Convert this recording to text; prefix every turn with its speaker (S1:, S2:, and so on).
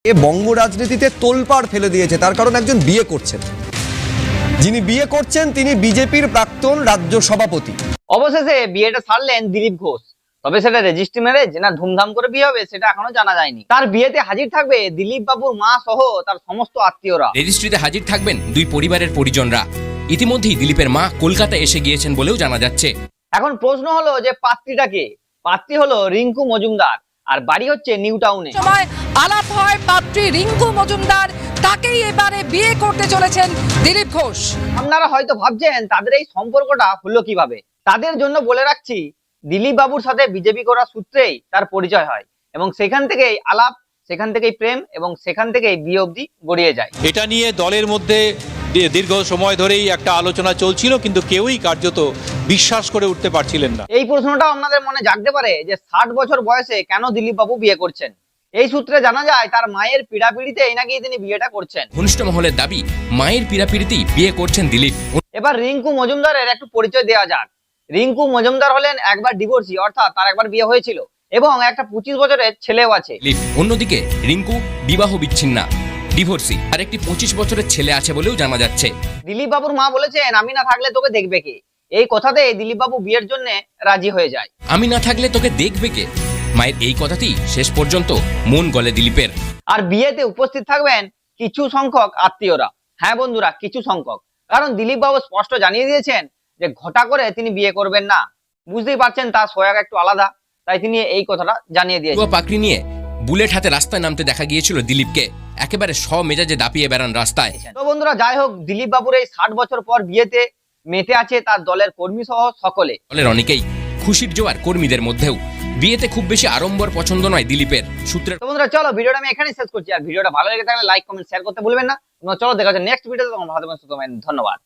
S1: এ বঙ্গ রাজনীতিতে তোলপাড় ফেলে দিয়েছে, তার কারণ একজন বিয়ে করছেন, যিনি বিয়ে করছেন তিনি বিজেপির প্রাক্তন রাজ্য সভাপতি।
S2: অবশেষে বিয়েটা সারলেন দিলীপ ঘোষ। তবে সেটা রেজিস্ট্রি ম্যারেজ না ধুমধাম করে বিয়ে হবে সেটা এখনো জানা যায়নি। তার বিয়েতে হাজির থাকবে দিলীপ বাবুর মা সহ তার সমস্ত আত্মীয়রা।
S3: রেজিস্ট্রিতে হাজির থাকবেন দুই পরিবারের পরিজনরা। ইতিমধ্যেই দিলীপের মা কলকাতা এসে গিয়েছেন বলেও জানা যাচ্ছে।
S2: এখন প্রশ্ন হলো যে পাত্রীটা কে? পাত্রী হলো রিঙ্কু মজুমদার, আর বাড়ি হচ্ছে নিউ টাউনে।
S4: সময় আলাপ হয় পাত্রী রিঙ্কু মজুমদার, তাকেই এবারে বিয়ে করতে চলেছেন দিলীপ ঘোষ।
S2: আপনারা হয়তো ভাবছেন তাদের এই সম্পর্কটা হলো কিভাবে। তাদের জন্য বলে রাখছি, দিলীপ বাবুর সাথে বিজেপি করার সূত্রেই তার পরিচয় হয় এবং সেখান থেকেই আলাপ, সেখান থেকেই প্রেম এবং সেখান থেকেই বিয়ে অবধি গড়িয়ে যায়।
S5: এটা নিয়ে দলের মধ্যে দীর্ঘ সময় ধরেই একটা আলোচনা চলছিল, কিন্তু কেউই কার্যত বিশ্বাস করে উঠতে পারছিলেন না।
S2: এই প্রশ্নটা আপনাদের মনে জাগতে পারে যে 60 বছর বয়সে কেন দিলীপ বাবু বিয়ে করছেন। এই সূত্রে জানা যায় তার মায়ের পীড়াপিড়িতেই নাকি তিনি বিয়েটা করছেন।
S3: ঘনিষ্ঠ মহলের দাবি, মায়ের পীড়াপিড়িতেই বিয়ে করছেন দিলীপ।
S2: এবার রিঙ্কু মজুমদারের একটু পরিচয় দেওয়া যাক। রিঙ্কু মজুমদার হলেন একবার ডিভোর্সি, অর্থাৎ তার একবার বিয়ে হয়েছিল এবং একটা 25 বছরের ছেলেও আছে।
S3: দিলীপ অন্যদিকে রিঙ্কু বিবাহ বিচ্ছিন্না, ডিভোর্সি, আর একটি 25 বছরের ছেলে আছে বলেও জানা যাচ্ছে।
S2: দিলীপ বাবুর মা বলেছেন, আমি না থাকলে তোকে দেখবে কে? এই কথাতে দিলীপ বাবু বিয়ের জন্য রাজি হয়ে যায়।
S3: আমি না থাকলে তোকে দেখবে কে? মায়ের এই কথাতেই শেষ পর্যন্ত মন গলে দিলীপের।
S2: আর বিয়েতে উপস্থিত থাকবেন কিছু সংখ্যক আত্মীয়রা। হ্যাঁ বন্ধুরা, কিছু সংখ্যক, কারণ দিলীপ বাবু স্পষ্ট জানিয়ে দিয়েছেন যে ঘটা করে তিনি বিয়ে করবেন না। বুঝতেই পারছেন তার সোয়াগ একটু আলাদা, তাই তিনি এই কথাটা জানিয়ে দিয়েছেন।
S3: পাকড়ি নিয়ে বুলেট হাতে রাস্তায় নামতে দেখা গিয়েছিল দিলীপকে। একেবারে মেজাজে দাপিয়ে বেড়ান রাস্তায়।
S2: তো বন্ধুরা, যাই হোক, দিলীপ বাবুর এই 60 বছর পর বিয়েতে মেতে আছে তার দলের কর্মী সহ সকলে।
S3: দলের অনেকেই খুশির জোয়ার কর্মীদের মধ্যেও। বিয়েতে খুব বেশি আড়ম্বর পছন্দ নয় দিলীপের সূত্রে।
S2: তো বন্ধুরা, চলো ভিডিওটা আমি এখানেই শেষ করছি। আর ভিডিওটা ভালো লেগে থাকলে লাইক কমেন্ট শেয়ার করতে ভুলবেন না। চলো দেখা যাচ্ছে নেক্সট ভিডিওতে। তোমার ভালো থাকবেন, সুস্থ থাকবেন। ধন্যবাদ।